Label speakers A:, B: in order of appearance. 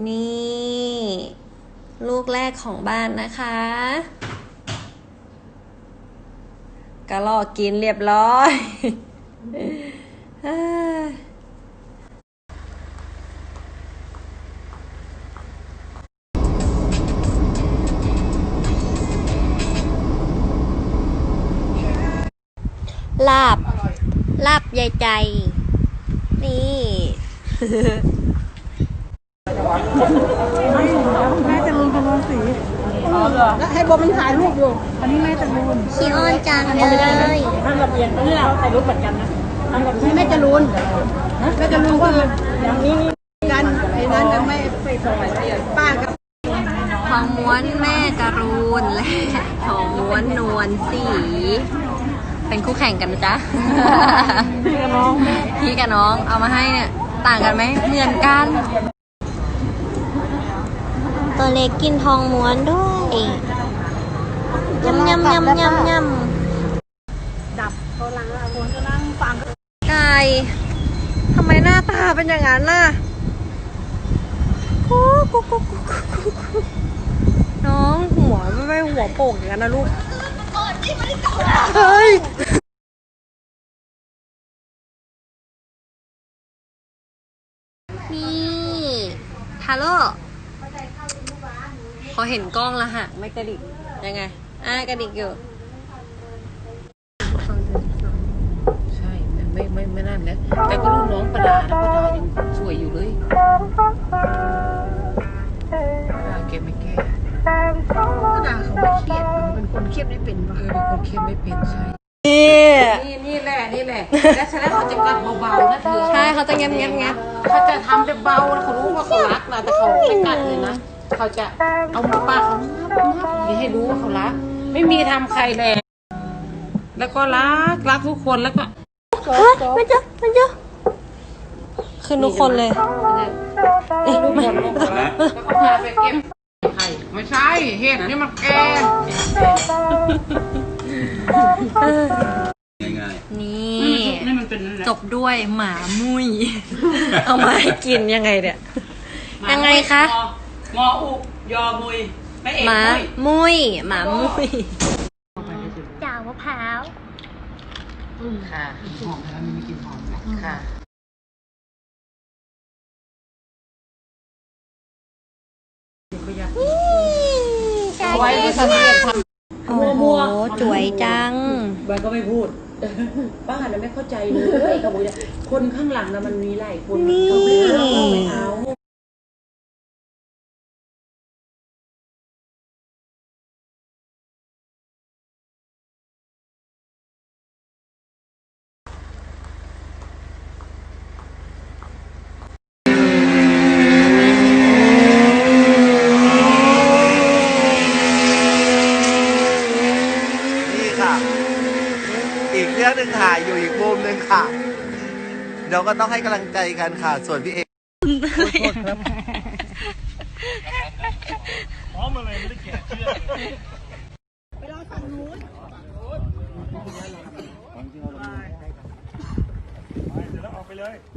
A: นี่ลูกแรกของบ้านนะคะกระลอกกินเรียบร้อยลาบยายใจนี่
B: แม่จะรูนกำลังสีแล้วให้โบมันถ่ายรูปอยู่อันนี้แม่จะรูน
A: ขี้อ้อนจังเลย
B: ทำกับเอียนนี่เราถ่ายรูปเหมือนกันนะทำกับแม่จะรูนแม่จะรูนว่าอย่างนี้กันไอ้นั้นยังไม่ไปส่งป้ากับ
A: ทองม้วนแม่จรูนและทองม้วนนวลสีเป็นคู่แข่งกันนะจ๊ะพี่กับน้องเอามาให้เนี่ยต่างกันไหมเหมือนกันตัวเล็กกินทองม้วนด้วยยำ
B: ดับเขาล้างคนก็นั่งฟัง
A: ไก่ทำไมหน้าตาเป็นอย่างนั้นน่ะน้องหัวไม่หัวโป่งอย่างนั้นนะลูกเฮ้ยนี่ฮัลโหลพอเห็นกล้องแล้วฮะไม่กระดิกยังไงกระดิกอยู่
C: ใช่ไม่นั่นนะแต่ก็ลูกน้องประดานะประดายังสวยอยู่เลยประดาแกไม่แก้
B: ประดาเขาไม่เครียดเป็นคนเครียดไม่เป็นป่ะ
C: เป็นคนเข้มไม่เป็นใช่นี่แหละแล้วฉะนั้นเขาจะกลับเบาๆนะเธอ
A: ใช่เขาจะเงียบ
C: เขาจะทำแบบเบาเขารู้ว่าเขารักนะแต่เขาไม่กัดเลยนะเขาจะเอามือป้าเขาอย่าให้รู้ว่าเขารักไม่มีทำใครแรงแล้วก็รักทุกคนแล้วก็
A: มันเจอคือทุกคนเลย
C: ทุกคนแล้วก็พาไปเก็บไข่ไม่ใช่เห็ดนี่มันแก่
A: นี่จบด้วยหมามุ้ยเอามาให้กินยังไงเนี่ยยังไงคะ
C: งออุยอมุยไม่เอก
A: หมามุ้ยจ่าวมะพร้าว
C: ค่ะหอมแล้วมันไม่กินหอมค่ะ
A: เอาไว้ที่สังเกตทำโอ้โหสวยจัง
C: ใบก็ไม่พูดป้าน่ะไม่เข้าใจเลยเขาบอกคนข้างหลังน่ะมันมีหลายคนเขาไม่เอา
D: อีกเรื่องหนึ่งค่ะอยู่อีกมุมหนึ่งค่ะเดี๋ยวก็ต้องให้กำลังใจกันค่ะส่วนพี่เอก
B: พร้อมอะไรไม่ได้แกะเชือกไปรอฝั่งนู้นไปเดี๋ยวเราออกไปเลย